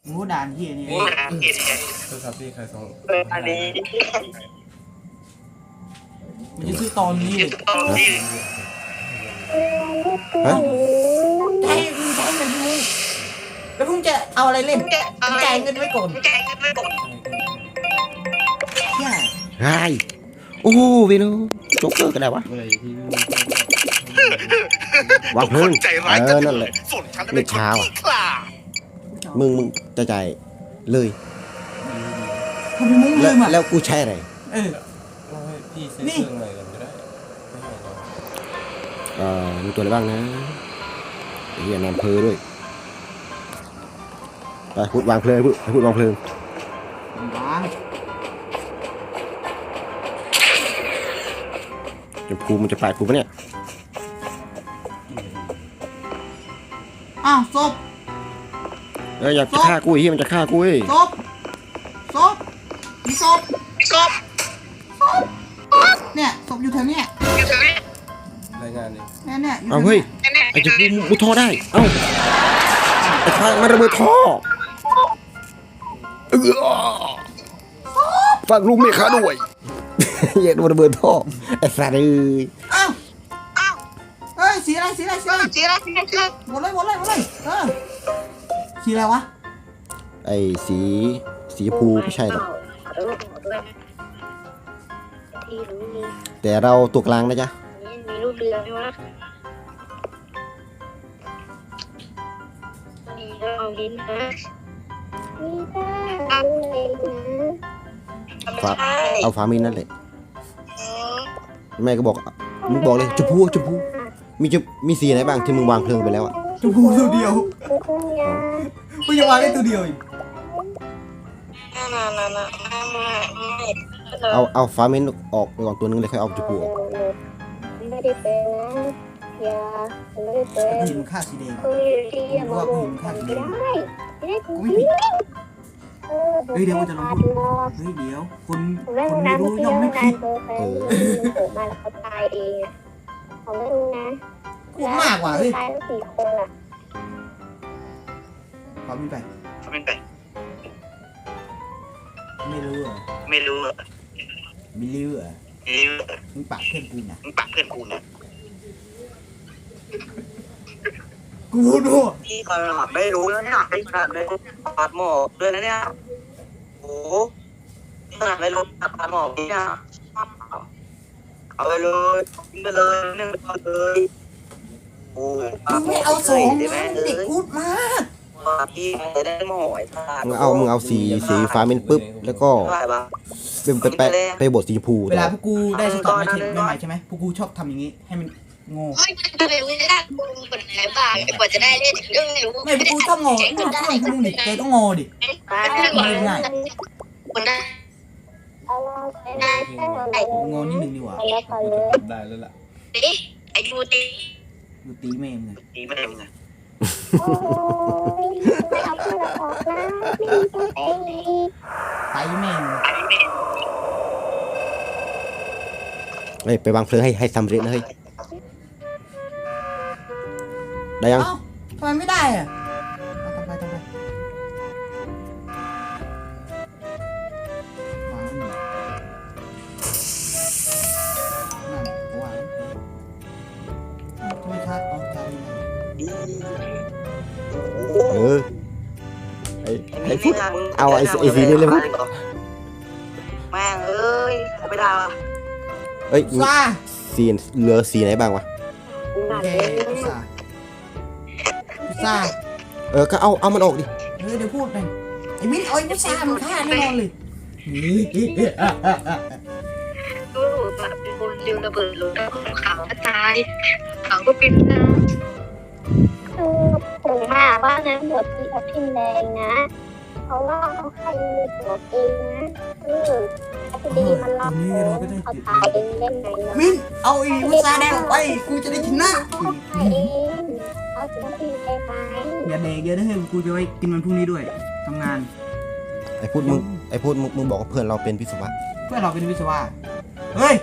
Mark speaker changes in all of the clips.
Speaker 1: งูด่านที่นี่
Speaker 2: โทรศัพท์ที่ใครส่ง
Speaker 3: อันนี้
Speaker 1: มันจะซื้อตอนนี้
Speaker 4: ฮะ
Speaker 1: ใช่เงินมึงแล้วพุ่งจะเอาอะไรเล่นจ่ายเงินไว้ก่อนใช่
Speaker 4: ไอ้โอ้โหวินูโจ๊กเกอร์ก็ได้วะวางเพลิงนั่นแหละไม่ช้าว่ะมึงจะจ่ายเลย
Speaker 1: ทำไมมึงลืมอ่ะ
Speaker 4: แล้วกูใช้อะไร
Speaker 2: เราให้พี่ซื้อเครื่องใหม่กันก็ได้
Speaker 4: มีตัวอะไรบ้างนะเฮียนอนเพลด้วยไปพูดวางเพลิงพูดวางเพลิงจะพูมันจะปาดกูปะเนี่ย
Speaker 1: อ้าวศพ
Speaker 4: อยากจะฆ่ากูเฮียมันจะฆ่ากู
Speaker 1: ศพมีศพเนี่ยศพอยู่แถวเนี้ย
Speaker 2: รายงานดิ
Speaker 1: เนี่ย
Speaker 4: เอาเฮ้ยไอ้จะพูมุดท่อได้เอ้าไอ้ฟ้ามันระเบิดท่อฝากลุงเมฆาด้วยอย่าโดนระเบิดท่อไอ้สัตว์
Speaker 1: อ้าวเฮ้ยสีอะไรหมดเลยสีอะไรวะ
Speaker 4: ไอ้สีภูไม่ใช่หรอกแต่เราตัวกลางนะจ๊ะ
Speaker 3: มีลูกเรือไหมวะมีเราลิ้นนะ
Speaker 4: เอาฟ้ามินนั่นแหละแม่ก็บอกมึงบอกเลยชมพูมีสีไหนบ้างที่มึงวางเพลิงไปแล้วอ่ะ
Speaker 1: ชมพูตัวเดียวมึงจะวางได้ตัวเดียวอีก
Speaker 4: เอาฟ้ามินออกไปก่อนตัวนึงเลยค่อยเอาชมพูออก
Speaker 3: ไม่ได้เป็นนะอย่าไม่ได้เป็น
Speaker 1: หิมค่าสีแดง
Speaker 3: กูว่าหิมค่าสีแดง
Speaker 1: กูไม่ผิดเฮ้ยเดี๋ยวมันจะลงพูดเฮ้ยเดี๋ยวคนไม่รู้ย่อมไม่ผิด
Speaker 3: เกิดมาแล้วเขาตายเองเขาไม่รู้นะ
Speaker 1: กูมากกว่าเฮ้ย
Speaker 3: ตายทั้ง4 คนอ่ะ
Speaker 1: เขาไม่ไปไม่รู้อ่ะมึงปากเพื่อนกูนะกูรู้
Speaker 3: พี่ขนาดไม่รู้แล้วเนี่ยขนาดไม่รู้ปาดหมอกด้วยนะเนี่ยโอ้ขนาดไม่รู้ปาดหมอกเนี่ยเอาไปเลยนึ่งไปเลยโอ้
Speaker 1: ไม่เอาสองเด็กพูดมาก
Speaker 3: พี่จะได้หมอย
Speaker 4: มึงเอาสีฟ้ามินปุ๊บแล้วก็ไปบดสีชมพู
Speaker 1: เวลาพวกกูได้สตอร์ไม่ใหม่ใช่ไหมพวกกูชอบทำอย่างนี้ให้มันโง่
Speaker 3: ไม่ได้กูเป็นอะไรบ้างกว่าจะได้เล่นเรื่องไม่รู้
Speaker 1: ไม่พวกกูต้องโง่ต้องดิแกต้องโง่ดิไม่ง่ายโง่นิดนึงดีกว่า
Speaker 2: ได้แล้วล่ะ
Speaker 3: ไอ้ดูตี
Speaker 1: แม่มึง
Speaker 3: ไม่เอาเพื่อนออกนะ
Speaker 1: ไปแม่
Speaker 4: ไปวางเพลิงให้สำเร็จนะเฮ้ยได้ยัง
Speaker 1: ทำไมไม่ได้อ่ะต้องไปไม่ชัด
Speaker 4: ไอ้พูดเอาไอ้สีนี่เลยมั้ย
Speaker 3: แม่งเอ้ยไม่ได้ว่ะ
Speaker 4: สีเหลือสีไหนบ้างวะ
Speaker 1: ซ่า
Speaker 4: ก็เอามันออกดิ
Speaker 1: เดี๋ยวพูดหน่อยไอ้มิ้นเอาไอ้ซ่ามันฆ่าแน่นอนเลย
Speaker 3: ดูแบบเป็นคนเร็วระเบิดลงเขาก็ตายเขาก็เป็นผมมาว่านะหมดที่อภินแดงนะเพราะว่าเขาใครมีตัวเองนะคดีมันรับเขาตายเองเล่นไง
Speaker 1: มิ้นเอาไอ้มุสาแดงไปกูจะได้ชนะ
Speaker 3: เขาเองเขาจะได้ไป
Speaker 1: อย่าเด็กเยอะนะเฮ้ยกูจะไปกินมันพรุ่งนี้ด้วยทำงาน
Speaker 4: ไอ้พูดมึงบอกว่าเพื่อนเราเป็นวิศวะ
Speaker 1: เพื่อนเราเป็นวิศวะเฮ้ย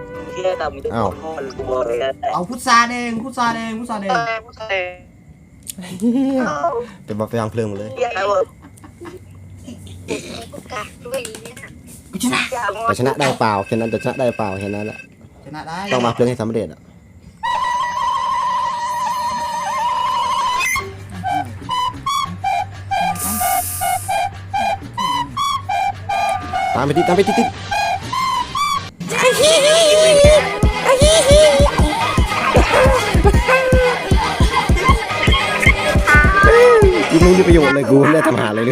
Speaker 4: อ้าว
Speaker 1: เอาพุทราแดง
Speaker 4: จะมาไปวางเพลิงหมดเลย
Speaker 3: เหี้ยอะไรวะ
Speaker 1: กูชนะ
Speaker 4: แต่ชนะได้เปล่าแค่นั้นจะชนะได้เปล่าแค่นั้นแหละ
Speaker 1: ชนะได้
Speaker 4: ต้องวางเพลิงให้สำเร็จอ่ะตามไปติดกูไม่มีประโยชน์เลยกูไม่ได้ทำหาอะไรเลย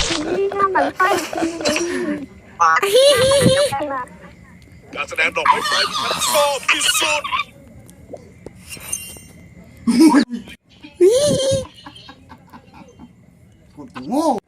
Speaker 5: การแสดงดอกไม้ไฟที่ฉันชอบที่สุด
Speaker 1: กูโง่